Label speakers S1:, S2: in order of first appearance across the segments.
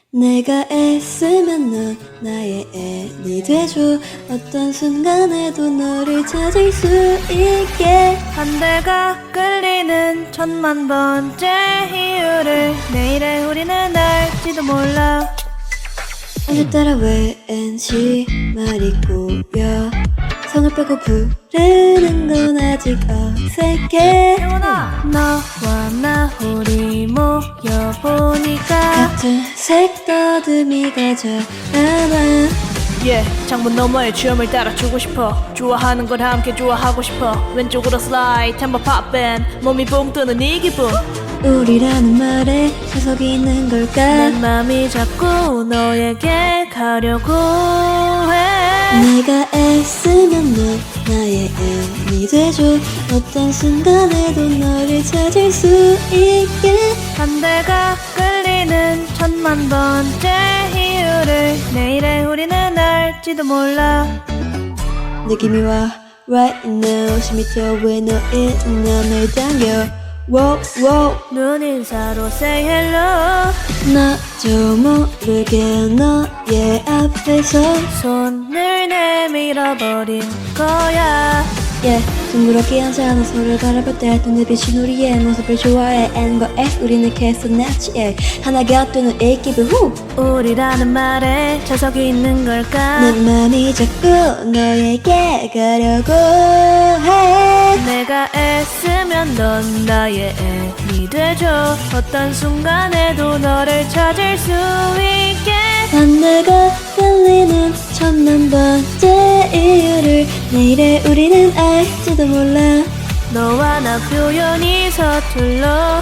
S1: 내가 애쓰면 넌 나의 애니 돼줘. 어떤 순간에도 너를 찾을 수 있게.
S2: 반대가 끌리는 천만 번째 이유를 내일의 우리는 알지도 몰라.
S1: 오늘따라 왠지 말이 꼬여. 성을 빼고 부르는 건 아직 어색해.
S2: 영원아, 너와 나 우리 모여보니까
S1: 같은 색 더듬이가 자라나.
S2: 창문 너머의 주염을 따라주고 싶어. 좋아하는 걸 함께 좋아하고 싶어. 왼쪽으로 슬라이드 템버 팝밴 몸이 붕 뜨는 이 기분.
S1: 우리라는 말에 자석이 있는 걸까.
S2: 내 맘이 자꾸 너에게 가려고 해.
S1: 내가 애쓰면 넌 나의 애니 돼줘. 어떤 순간에도 너를 찾을 수 있게.
S2: 반대가 끌리는 천만 번째 이유를 내일의 우리는 알지도 몰라.
S1: 느낌이 와 right now. 숨이 튀어왜 너 있는 널 당겨. wow, wow.
S2: 눈인사로 say hello.
S1: 나도 모르게 너의 앞에서
S2: 손을 내밀어버린 거야.
S1: 둥그렇게 앉아 서로를 바라볼 때 눈에 비친 우리의 모습을 좋아해. N과 S 우리는 계속 낫지. 하나가 되는 이 기분 후.
S2: 우리라는 말에 자석이 있는 걸까.
S1: 내 맘이 자꾸 너에게 가려고 해.
S2: 내가 애쓰면 넌 나의 애니 돼줘. 어떤 순간에도 너를 찾을 수 있게.
S1: 반대가 끌리는 천만 번째 이유를 내일의 우리는 알지도 몰라.
S2: 너와 나 표현이 서툴러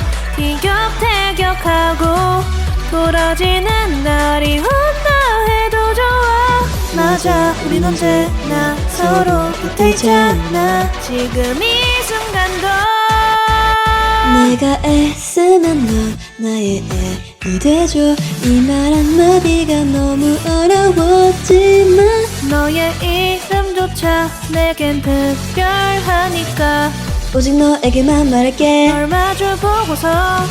S2: 티격태격하고 돌아지는 날이 온다 해도 좋아. 맞아, 우린 언제나 서로 곁에 있잖아. 지금 이 순간도
S1: 내가 애쓰면 넌 나의 애니 돼줘. 이 말 한마디가 너무 어려웠지만
S2: 너의 이름조차 내겐 특별하니까
S1: 오직 너에게만 말할게.
S2: 널 마주 보고서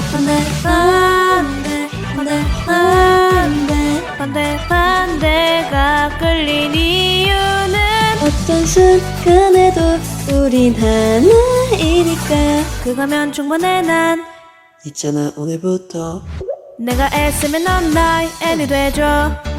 S2: 반대가 끌린 이유는
S1: 어떤 순간에도 우린 하나이니까.
S2: 그거면 충분해. 난
S1: 있잖아 오늘부터
S2: 내가 애쓰면 넌 나의 애니 돼줘.